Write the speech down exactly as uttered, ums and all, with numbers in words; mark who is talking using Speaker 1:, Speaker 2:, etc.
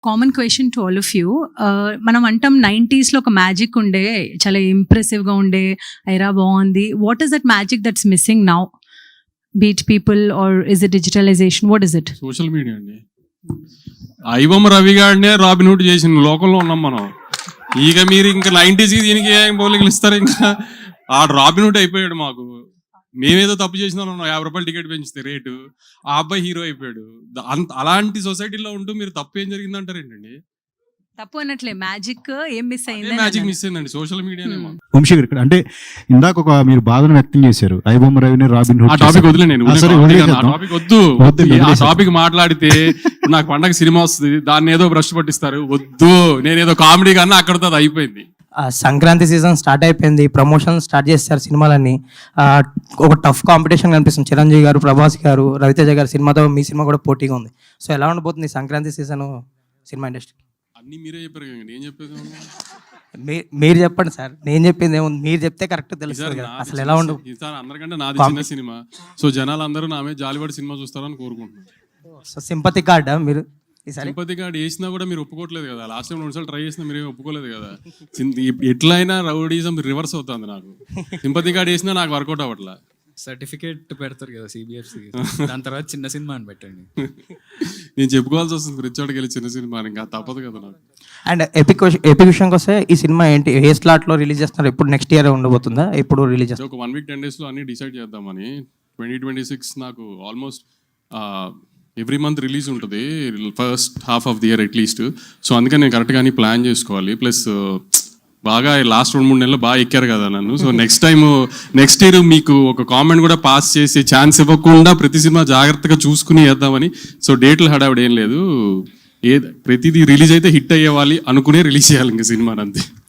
Speaker 1: Common question to all of you. మనం అంటాం నైంటీస్లో ఒక మ్యాజిక్ ఉండే, చాలా ఇంప్రెసివ్గా ఉండే, ఐరా బాగుంది. What is that magic that's missing now? But people are is it digitalization? What is it?
Speaker 2: Social media అండి. ఐబొమ్మ రవి గారినే రాబిన్ హుడ్ చేసిన లోకంలో ఉన్నాం మనం. ఇక మీరు ఇంకా నైంటీస్కి దీనికి ఏం పోలికలు ఇస్తారు? ఇంకా ఆ రాబిన్ హుడ్ అయిపోయాడు మాకు. మేమేదో తప్పు చేసిన యాభై రూపాయలు టికెట్ పెంచితే రేటు, ఆ అబ్బాయి హీరో అయిపోయాడు. అంత అలాంటి సొసైటీలో ఉంటూ మీరు తప్పు ఏం జరిగింది అంటారు ఏంటండి?
Speaker 1: తప్పు అన్నట్లే, మ్యాజిక్ ఏం మిస్ అయింది?
Speaker 2: మ్యాజిక్ మిస్ అయిందండి సోషల్ మీడియానే.
Speaker 3: వంశీ గారు ఇక్కడ అంటే ఇందాక ఒక మీరు బాధను వ్యక్తం చేశారు, ఐబొమ్మ రవిని రాబిన్ హుడ్.
Speaker 2: ఆ టాపిక్ వదిలే, నేను టాపిక్ వద్దు. ఆ టాపిక్ మాట్లాడితే నాకు పండగ సినిమా వస్తుంది, దాన్ని ఏదో బ్రష్ పట్టిస్తారు. వద్దు, నేనేదో కామెడీ కన్నా అక్కడితో అది అయిపోయింది.
Speaker 4: సంక్రాంతి సీజన్ స్టార్ట్ అయిపోయింది, ప్రమోషన్ స్టార్ట్ చేస్తారు సినిమాలన్నీ. ఒక టఫ్ కాంపిటీషన్ కనిపిస్తుంది. చిరంజీవి గారు, ప్రభాస్ గారు, రవితేజ గారు సినిమాతో మీ సినిమా కూడా పోటీగా ఉంది. సో ఎలా ఉండబోతుంది సంక్రాంతి సీజన్ సినిమా ఇండస్ట్రీ?
Speaker 2: అన్ని మీరే చెప్పారు కదా, నేను చెప్పేది
Speaker 4: మీరు చెప్పండి సార్, నేను చెప్పింది ఏముంది, మీరు చెప్తే కరెక్ట్ తెలుస్తుంది కదా అసలు ఎలా ఉండదు.
Speaker 2: అందరికంటే నాది చిన్న సినిమా, సో జనాలు అందరూ నా మీద జాలిపడి సినిమా చూస్తారని కోరుకుంటున్నాను.
Speaker 4: సో సింపతి కార్డా మీరు?
Speaker 2: సింపతి కార్డ్ వేసినా కూడా మీరు ఒప్పుకోవట్లేదు కదా. లాస్ట్ టైం రెండు సార్లు ట్రై చేసినా మీరు ఒప్పుకోలేదు కదా. ఎట్లయినా రౌడీజం రివర్స్ అవుతుంది నాకు. సింపతి కార్డ్ వేసినా నాకు వర్కౌట్ అవ్వట్లా.
Speaker 5: సర్టిఫికేట్ పెడతారు కదా సిబిఎఫ్సి, దాని తర్వాత చిన్న సినిమా అని పెట్టండి.
Speaker 2: నేను చెప్పుకోవాల్సి వస్తుంది రిచోడ్కి వెళ్ళి చిన్న సినిమా, ఇంకా తప్పదు కదా నాకు.
Speaker 4: అండ్ ఎపిక్ ఎపిక్ విషయంకి వస్తే ఈ సినిమా ఏంటి, ఏ స్లాట్ లో రిలీజ్ చేస్తున్నారు? ఎప్పుడు నెక్స్ట్ ఇయర్ ఉండబోతుందా? ఎప్పుడు రిలీజ్ చేస్తారు?
Speaker 2: ఒక వన్ వీక్ టెన్ డేస్ లో అన్ని డిసైడ్ చేద్దామని. ట్వంటీ ట్వంటీ సిక్స్ నాకు ఆల్మోస్ట్ ఎవ్రీ మంత్ రిలీజ్ ఉంటుంది, first half of the year atleast. So అందుకని నేను కరెక్ట్గా అన్ని ప్లాన్ చేసుకోవాలి. ప్లస్ బాగా లాస్ట్ రెండు మూడు నెలలు బాగా ఎక్కారు కదా నన్ను. So next time next year మీకు ఒక కామెంట్ కూడా పాస్ చేసే ఛాన్స్ ఇవ్వకుండా ప్రతి సినిమా జాగ్రత్తగా చూసుకుని వేద్దామని. సో డేట్లు హడావిడ ఏం లేదు, ఏ ప్రతిదీ రిలీజ్ అయితే హిట్ అయ్యేవాలి అనుకునే రిలీజ్ చేయాలి ఇంకా సినిమాని, అంతే.